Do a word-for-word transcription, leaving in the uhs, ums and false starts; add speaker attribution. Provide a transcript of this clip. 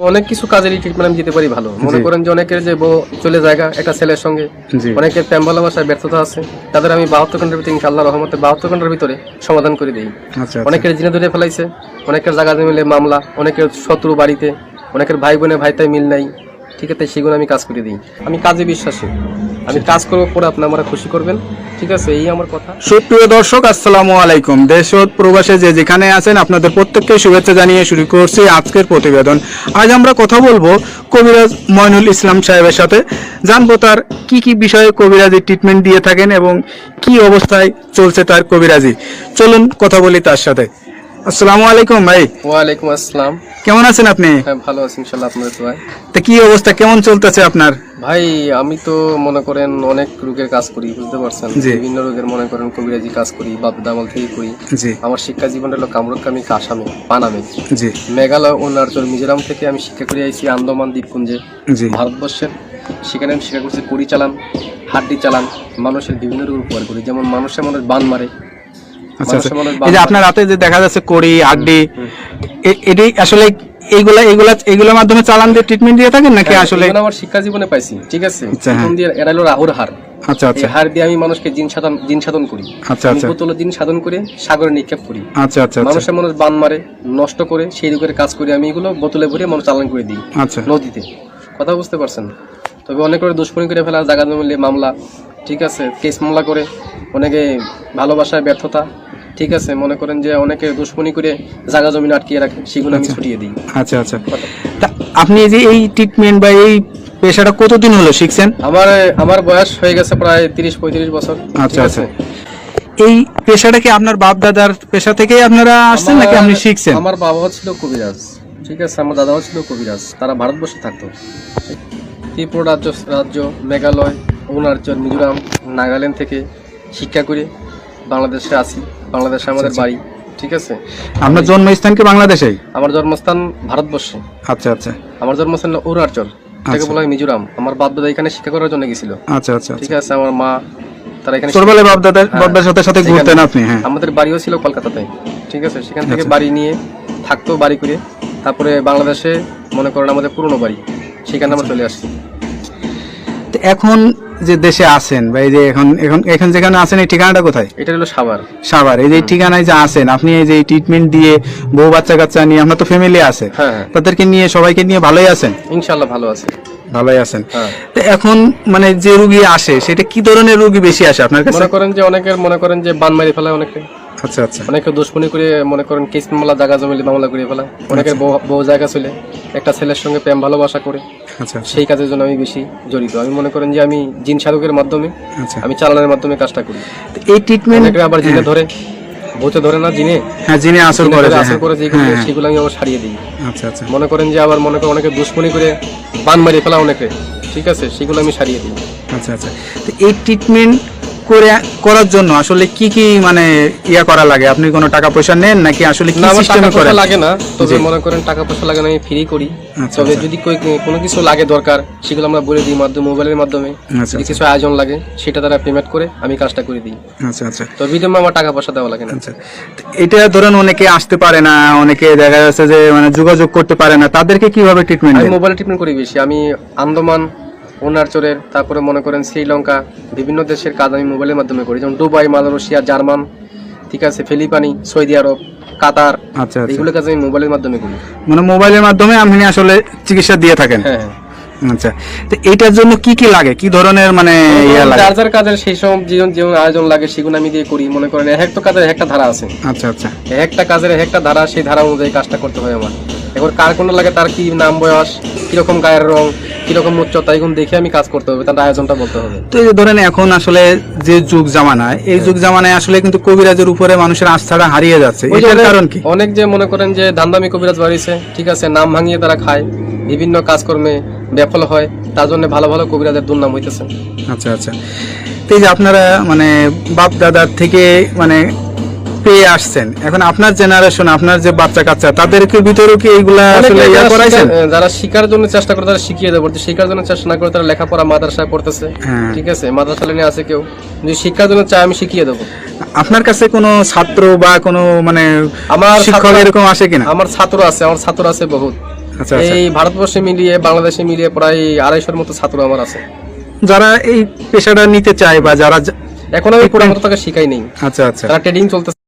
Speaker 1: অনেক কিছু কাজেরই ট্রিটমেন্ট আমি দিতে পারি ভালো। মনে করেন যে অনেকের যে বউ চলে জায়গা একটা ছেলের সঙ্গে, অনেকের প্রেম ভালোবাসায় ব্যর্থতা আছে, তাদের আমি বাহাত্তর ঘন্টার ভিতরে ইনশাআল্লাহ রহমতে বাহাত্তর ঘন্টার ভিতরে সমাধান করে দিই। অনেকের জিনে ধরে ফেলাইছে, অনেকের জায়গা মিলে মামলা, অনেকের শত্রু বাড়িতে, অনেকের ভাই বোনে ভাইতাই মিল নাই, ঠিক আছে, সেগুলো আমি কাজ করে দিই। আমি কাজে বিশ্বাসী, আমি কাজ করবো পরে আপনি আমরা খুশি করবেন, ঠিক আছে, এই আমার কথা।
Speaker 2: সুপ্রিয় দর্শক, আসসালামু আলাইকুম। দেশ ও প্রবাসে যে যেখানে আছেন আপনাদের প্রত্যেককে শুভেচ্ছা জানিয়ে শুরু করছি আজকের প্রতিবেদন। আজ আমরা কথা বলবো কবিরাজ মইনুল ইসলাম সাহেবের সাথে, জানবো তার কি কি বিষয়ে কবিরাজি ট্রিটমেন্ট দিয়ে থাকেন এবং কি অবস্থায় চলছে তার কবিরাজি। চলুন কথা বলি তার সাথে। আসসালামু আলাইকুম ভাই।
Speaker 1: ওয়ালাইকুম আসসালাম।
Speaker 2: কেমন আছেন আপনি?
Speaker 1: হ্যাঁ, ভালো আছি ইনশাআল্লাহ, আপনাদের দোয়ায়।
Speaker 2: তা কি অবস্থা, কেমন চলতেছে আপনার?
Speaker 1: ভাই আমি তো মনে করেন অনেক রোগের কাজ করি, বুঝতে পারছেন, বিভিন্ন রোগের মনে করেন কবিরাজি কাজ করি, বাপ দামাল থেকে করি। আমার শিক্ষা জীবন হলো কামরুকামি, কাসামে, পানামে, মেঘালয় ও অরুণাচল মিজোরাম থেকে আমি শিক্ষা করে আইছি আন্দামান দ্বীপপুঞ্জে, ভারতবর্ষের। সেখানে আমি শিক্ষা করছি কড়ি চালান, হাড্ডি চালান, মানুষের বিভিন্ন রোগ উপকার করি, যেমন মানুষের মনে বান মারে।
Speaker 2: এই যে আপনার হাতে যে দেখা যাচ্ছে কড়ি হাড্ডি, এটি আসলে এইগুলা এইগুলা এইগুলোর মাধ্যমে চালান দিয়ে ট্রিটমেন্ট দিয়ে থাকেন নাকি? আসলে
Speaker 1: আমার শিক্ষা জীবনে পাইছি, ঠিক আছে। এরা হলো রাহুর হার।
Speaker 2: আচ্ছা আচ্ছা।
Speaker 1: হার দিয়ে আমি মানুষকে জিন সাধন জিন সাধন করি।
Speaker 2: আচ্ছা আচ্ছা।
Speaker 1: বোতলে জিন সাধন করে সাগরে নিক্ষেপ করি।
Speaker 2: আচ্ছা আচ্ছা।
Speaker 1: মানুষের মানুষ বান মারে, নষ্ট করে, সেই রোগের কাজ করি আমি। এগুলো বোতলে ভরে মানুষ চালান করে দিই। আচ্ছা। নদীতে, কথা বুঝতে পারছেন। তবে অনেক করে দুষ্কর্মী করে ফেলা, জায়গা জমিলে মামলা, ঠিক আছে, কেস মামলা করে, অনেকে ভালোবাসায় ব্যর্থতা, ঠিক আছে, মনে করেন যে অনেকে দুশ্মনী করে জায়গা জমি আটকিয়ে রাখে, সেগুলো আমি ছুটিয়ে দিই।
Speaker 2: আচ্ছা আচ্ছা। আপনি যে এই ট্রিটমেন্ট বা এই পেশাটা কতদিন হলো শিখছেন? আমার
Speaker 1: আমার বয়স হয়ে গেছে প্রায় তিরিশ পঁয়ত্রিশ বছর।
Speaker 2: আচ্ছা আচ্ছা। এই পেশাটা কি আপনার বাপ দাদার পেশা থেকে আপনারা আসছেন নাকি আপনি শিখছেন?
Speaker 1: আমার বাবাও ছিল কবিরাজ, ঠিক আছে, আমার দাদাও ছিল কবিরাজ। তারা ভারতবর্ষে থাকতো, ত্রিপুরা রাজ্য রাজ্য মেঘালয়, অরুণাচল, মিজোরাম, নাগাল্যান্ড থেকে শিক্ষা করে বাংলাদেশে আসি। বাংলাদেশে আমাদের বাড়ি, ঠিক আছে।
Speaker 2: আপনার জন্মস্থান কি বাংলাদেশেই?
Speaker 1: আমার জন্মস্থান ভারতবর্ষে।
Speaker 2: আচ্ছা আচ্ছা।
Speaker 1: আমার জন্মস্থান অরুণাচল, এটাকে বলা হয় মিজোরাম। আমার বাপ দাদা এখানে শিক্ষা করার জন্য গেছিল। আচ্ছা আচ্ছা, ঠিক আছে। আমার মা তারা এখানে ছোটবেলায় বাপ দাদা বাপ দাদার সাথে সাথে ঘুরতেন আপনি? হ্যাঁ, আমাদের বাড়িও ছিল কলকাতাতে, ঠিক আছে। সেখান থেকে বাড়ি নিয়ে থাকতো, বাড়ি করে তারপরে বাংলাদেশে মনে করেন আমাদের পুরনো বাড়ি, সেখানে আমরা চলে আসছি।
Speaker 2: এখন যে দেশে আছেন বা এই যে এখন এখন এখন যেখানে আছেন, এই ঠিকানাটা কোথায়?
Speaker 1: এটা হলো সাভার।
Speaker 2: সাভার। এই যে ঠিকানায় যে আছেন আপনি, এই যে ট্রিটমেন্ট দিয়ে বউ বাচ্চা কাচ্চা নিয়ে, আপনার তো ফ্যামিলি আছে, তাদেরকে নিয়ে সবাইকে নিয়ে ভালোই আছেন?
Speaker 1: ইনশাআল্লাহ ভালো আছে।
Speaker 2: ভালোই আছেন। তো এখন মানে যে রোগী আসে, সেটা কি ধরনের রোগী বেশি আসে আপনার কাছে?
Speaker 1: মনে করেন যে অনেকের মনে করেন যে বান মারি ফেলায় অনেকে।
Speaker 2: আচ্ছা আচ্ছা।
Speaker 1: অনেকে দুশ্মনী করে মনে করেন কেস মামলা, জায়গা জমিলে মামলা করে ফেলায়। অনেকের বউ জায়গা চলে একটা ছেলের সঙ্গে প্রেম ভালোবাসা করে। আচ্ছা। সেই কাজের জন্য আমি বেশি জড়িত। আমি মনে করেন যে আমি জিন সাধকের মাধ্যমে, আমি চালানোর মাধ্যমে কাজটা করি।
Speaker 2: এই ট্রিটমেন্ট
Speaker 1: আবার জিনে ধরে, ভূতে ধরে না, জিনে,
Speaker 2: হ্যাঁ, জিনে আসর করে,
Speaker 1: আসর করে, যেগুলো সেগুলো আমি আবার সারিয়ে দিই।
Speaker 2: আচ্ছা আচ্ছা।
Speaker 1: মনে করেন যে আবার মনে করেন অনেকে দুশ্মনী করে বান মারি ফেলা অনেকে, ঠিক আছে, সেগুলো আমি সারিয়ে দিই।
Speaker 2: আচ্ছা আচ্ছা। তো এই ট্রিটমেন্ট করে করার জন্য আসলে কি কি মানে ইয়া করা লাগে? আপনি কোনো টাকা পয়সা নেন নাকি আসলে কি সিস্টেমে করেন?
Speaker 1: লাগে না, তবে মনে করেন টাকা পয়সা লাগে না, আমি ফ্রি করি। তবে যদি কোনো কিছু লাগে দরকার, সেগুলো আমরা বলে দিই মাধ্যমে, মোবাইলের মাধ্যমে। যদি কিছু আয়োজন লাগে, সেটা তারা পেমেন্ট করে আমি কাজটা করে দিই। আচ্ছা আচ্ছা। তো বিধমে আমার টাকা পয়সা দেওয়া লাগে না। আচ্ছা।
Speaker 2: এটা ধরেন অনেকে আসতে পারে না, অনেকে দেখা যাচ্ছে যে মানে যোগাযোগ করতে পারে না, তাদেরকে কিভাবে ট্রিটমেন্ট?
Speaker 1: আমি মোবাইলে ট্রিটমেন্ট করি বেশি। আমি আন্দামান, অরুণাচলের, তারপরে মনে করেন শ্রীলঙ্কা, বিভিন্ন দেশের কাজ আমি মোবাইলের মাধ্যমে করি, যেমন দুবাই, মালয়েশিয়া, জার্মান, ঠিক আছে, ফিলিপাইনি, সৌদি আরব, কাতার। আচ্ছা, এগুলো কাজ আমি মোবাইলের মাধ্যমে করি।
Speaker 2: মানে মোবাইলের মাধ্যমে আপনি আসলে চিকিৎসা দিয়ে থাকেন? হ্যাঁ। আচ্ছা। তো এইটার জন্য কি কি লাগে, কি ধরনের মানে ইয়া লাগে?
Speaker 1: যার যার কাজের সেই সব জীবন জীবন আয়োজন লাগে, সেগুলো আমি দিয়ে করি। মনে করেন এক একটা কাজের একটা ধারা আছে। আচ্ছা আচ্ছা। একটা কাজের একটা ধারা, সেই ধারা অনুযায়ী কাজটা করতে হয় আমার। এবার কার কোনটা লাগে, তার কি নাম, বয়স, কিরকম গায়ের রং, কিরকম উচ্চতা, এগুলো দেখে আমি কাজ করতে হবে, তার আয়োজনটা বলতে হবে।
Speaker 2: তো এই ধরেন এখন আসলে যে যুগ জামানায়, এই যুগ জামানায় আসলে কিন্তু কবিরাজের উপরে মানুষের আস্থাটা হারিয়ে যাচ্ছে। এটার কারণ কি?
Speaker 1: অনেক যে মনে করেন যে ধান্দামি কবিরাজ বাড়িছে, ঠিক আছে, নাম ভাঙিয়ে তারা খায়, বিভিন্ন কাজকর্মে বিফল হয়, তার জন্য ভালো ভালো কবিরাজের দুর্নাম হইতেছে।
Speaker 2: আচ্ছা আচ্ছা। তো এই যে আপনারা মানে বাপ দাদার থেকে মানে পেয়ে আসছেন, এখন আপনার জেনারেশন, আপনার যে বাচ্চা কাচ্চা, তাদেরকে ভিতরে কি এইগুলা আসলে ইয়া করাইছেন?
Speaker 1: যারা শিকার জন্য চেষ্টা করে তারা শিখিয়ে দেবো, শিকার জন্য চেষ্টা না করে তারা লেখাপড়া মাদ্রাসায় পড়তেছে, ঠিক আছে, মাদ্রাসা লাইনে আছে কেউ, যদি শিক্ষার জন্য চায় আমি শিখিয়ে দেবো।
Speaker 2: আপনার কাছে কোনো ছাত্র বা কোনো মানে
Speaker 1: আমার
Speaker 2: শিক্ষক এরকম আসে কিনা?
Speaker 1: আমার ছাত্র আছে, আমার ছাত্র আছে বহুত,
Speaker 2: আচ্ছা আচ্ছা
Speaker 1: এই ভারতবর্ষে মিলিয়ে বাংলাদেশে মিলিয়ে প্রায় আড়াইশোর মতো ছাত্র আমার আছে
Speaker 2: যারা এই পেশাটা নিতে চায় বা যারা
Speaker 1: এখন আমি পুরো মতো তাকে শিখাই নেই।
Speaker 2: আচ্ছা আচ্ছা
Speaker 1: তারা ট্রেডিং চলতেছে